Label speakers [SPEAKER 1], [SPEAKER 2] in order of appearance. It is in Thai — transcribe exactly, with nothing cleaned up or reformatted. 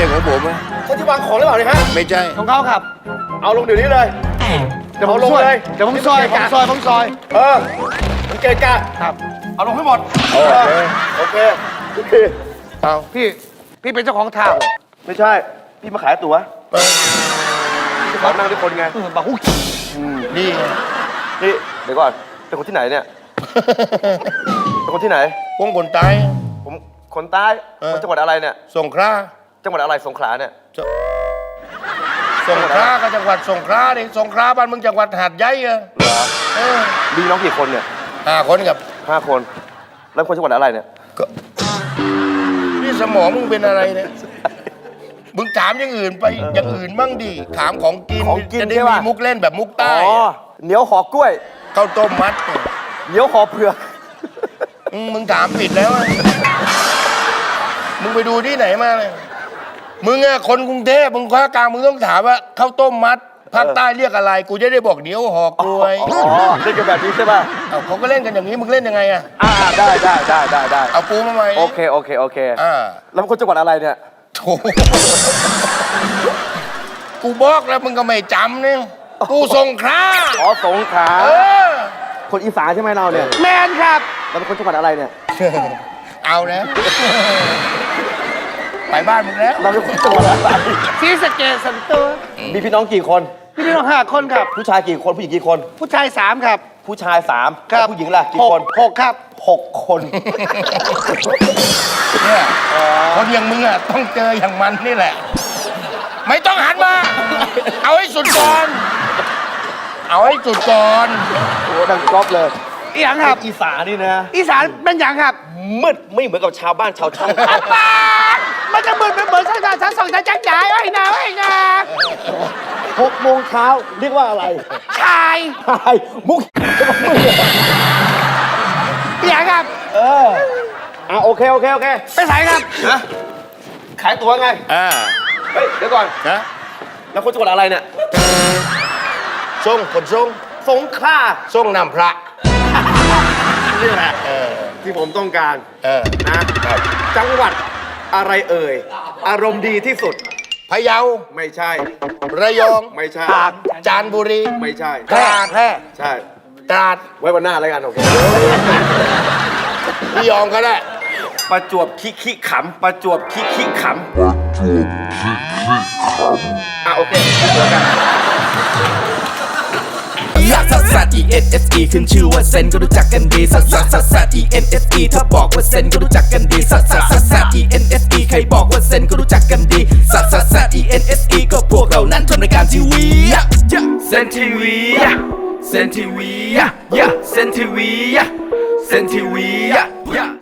[SPEAKER 1] ช่ของผมอะ
[SPEAKER 2] เขาที่วางของหรือเปล่าเนี่ยฮะ
[SPEAKER 1] ไม่ใช่
[SPEAKER 3] ของเขาครับ
[SPEAKER 2] เอาลงเดี๋ยวนี้เลย
[SPEAKER 3] เดี๋ยวผม
[SPEAKER 2] เอาลง
[SPEAKER 3] ซอย
[SPEAKER 2] เลย
[SPEAKER 3] เดี๋ยวผมซอยผมซอยผมซอย
[SPEAKER 2] เออมันเกะกะ
[SPEAKER 3] ครับ
[SPEAKER 2] เอาลงให้หมด
[SPEAKER 1] โอเค
[SPEAKER 2] โอเคโอเค
[SPEAKER 1] เอา
[SPEAKER 3] พี่พี่เป็นเจ้าของท่าเหรอ
[SPEAKER 2] ไม่ใช่ พี่มาขายตั๋ว
[SPEAKER 1] เออ
[SPEAKER 2] พี่ขอนั่งด้วยคนไง
[SPEAKER 3] เออบอกหุ้ย
[SPEAKER 1] นี่ไง
[SPEAKER 2] นี่เดี๋ยวก่อน เป็นคนที่ไหนเนี่ย เป็นคนที่ไหน
[SPEAKER 1] พวกคนตาย
[SPEAKER 2] ผมคนใต้
[SPEAKER 1] เออ
[SPEAKER 2] คนจังหวัดอะไรเนี่ย
[SPEAKER 1] สงขลา
[SPEAKER 2] จังหวัดอะไรสงขลาเนี่ย
[SPEAKER 1] สงขลาก็จังหวัดสงขลาดิสงขลาบ้านมึงจังหวัดหาดใหญ่อะ
[SPEAKER 2] เหรอ
[SPEAKER 1] เออ
[SPEAKER 2] มีน้องกี่คนเนี่ย
[SPEAKER 1] ห้าคนกับ
[SPEAKER 2] ห้าคน แล้วคนจังหวัดอะไรเนี่ย
[SPEAKER 1] ก็นี่สมองมึงเป็นอะไรเนี่ยมึงถามอย่างอื่นไปอย่างอื่นบ้างดิถามของกิน
[SPEAKER 2] ของกิน
[SPEAKER 1] จะได้
[SPEAKER 2] ใช่
[SPEAKER 1] มี
[SPEAKER 2] ปะ
[SPEAKER 1] มุกเล่นแบบมุก
[SPEAKER 2] อ๋
[SPEAKER 1] ใต้
[SPEAKER 2] อเหนียวหอกล้วย
[SPEAKER 1] ข้าวต้มมัดเนี่ย
[SPEAKER 2] เหนียวหอเผือก
[SPEAKER 1] อืมมึงถามผิดแล้วอะมึงไปดูที่ไหนมาเลยมึงอะคนกรุงเทพมึงภาคกลางมึงต้องถามว่าข้าวต้มมัดภาคใต้เรียกอะไร กูจะได้บอกเหนียวหอกกล้วย
[SPEAKER 2] อ๋อเล่นกันแบบนี้ใช่ป่ะ
[SPEAKER 1] เอาเขาก็เล่นกันอย่างนี้มึงเล่นยังไงอะ
[SPEAKER 2] อ่าได้ได้ได้ได้ได้
[SPEAKER 1] เอาปูมาใหม่
[SPEAKER 2] โอเคโอเคโอเค
[SPEAKER 1] อ่า
[SPEAKER 2] แล้วคนจังหวัดอะไรเนี่ย
[SPEAKER 1] โถกูบอกแล้วมึงก็ไม่จำเนี่ยกูสงขลา
[SPEAKER 2] อ๋อสงขลา
[SPEAKER 1] เออ
[SPEAKER 2] คนอีสานใช่ไหมเราเนี่ย
[SPEAKER 3] แมนครับ
[SPEAKER 2] เราเป็นคนจังหวัดอะไรเนี่ย
[SPEAKER 1] เอาแล้วไปบ้านมึงแล้ว
[SPEAKER 2] เราเป็นคนจังหวัดอะไร
[SPEAKER 3] ซีสะเกตสันตัว
[SPEAKER 2] มีพี่น้องกี่คน
[SPEAKER 3] พี่พี่น้องห้าคนครับ
[SPEAKER 2] ผู้ชายกี่คนผู้หญิงกี่คน
[SPEAKER 3] ผู้ชายสามครับ
[SPEAKER 2] ผู้ชายสาม
[SPEAKER 3] ครับ
[SPEAKER 2] ผู้หญิงล่ะกี่คน
[SPEAKER 3] หกครับ
[SPEAKER 2] หกคน
[SPEAKER 1] เนี่ยคนอย่างมึงอ่ะต้องเจออย่างมันนี่แหละ ไม่ต้องหันมา เอาให้สุดก่อน เอาให้สุดก่อน
[SPEAKER 2] โอ้ดังก๊อปเลย
[SPEAKER 3] อีหยังครับ
[SPEAKER 2] อีสานนี่นะ
[SPEAKER 3] อีสานเป็นอย่างครับ
[SPEAKER 2] มืดไม่เหมือนกับชาวบ้านชาวช่อง
[SPEAKER 3] บ้านมันจะมืดเป็นเหมือนชั้นชั้นสองชั้นจักรยานไอ้นาไอ้นา
[SPEAKER 2] หกโมงเช้าเรียกว่าอะไร
[SPEAKER 3] ชาย
[SPEAKER 2] ชายมุก
[SPEAKER 3] อีหยังครับ
[SPEAKER 2] เอออ่ะโอเคโอเคโอเค
[SPEAKER 3] ไปสายครับ
[SPEAKER 2] นะขายตั๋วไง
[SPEAKER 1] อ่า
[SPEAKER 2] เฮ้ยเดี๋ยวก่อน
[SPEAKER 1] นะ
[SPEAKER 2] แล้วคนจังหวัดอะไรเนี่ย
[SPEAKER 1] ส่งคนส่ง
[SPEAKER 2] สงขลา
[SPEAKER 1] ส่งนำพระ
[SPEAKER 2] นี่แหละ
[SPEAKER 1] เออ
[SPEAKER 2] ที่ผมต้องการ
[SPEAKER 1] เออ
[SPEAKER 2] นะครับ จังหวัดอะไรเอ่ย อารมณ์ดีที่สุด
[SPEAKER 1] พะเยา
[SPEAKER 2] ไม่ใช่
[SPEAKER 1] ระยอง
[SPEAKER 2] ไม่ใช่
[SPEAKER 1] จานบุรี
[SPEAKER 2] ไม่ใช่
[SPEAKER 1] ตราด
[SPEAKER 3] แพร่
[SPEAKER 2] ใช่
[SPEAKER 1] ตราด
[SPEAKER 2] ไว้วันหน้าแล้วกันโอเค
[SPEAKER 1] ระยองก็ได้
[SPEAKER 2] ประจวบคิคิขำประจวบคิคิขำอ่ะโอเคเจอกัน
[SPEAKER 4] ลักซัสซัส E N S E ขึ้นชื่อว่าเซนก็รู้จักกันดีซัสซัสซัสซัส E N S E ถ้าบอกว่าเซนก็รู้จักกันดีซัสซัสซัสซัส E N S E ใครบอกว่าเซนก็รู้จักกันดีซัสซัสซัส E N S E ก็พวกเรานั้นทำรายการทีวีเซนทีวีเซนทีวีเซนทีวีเซนทีวี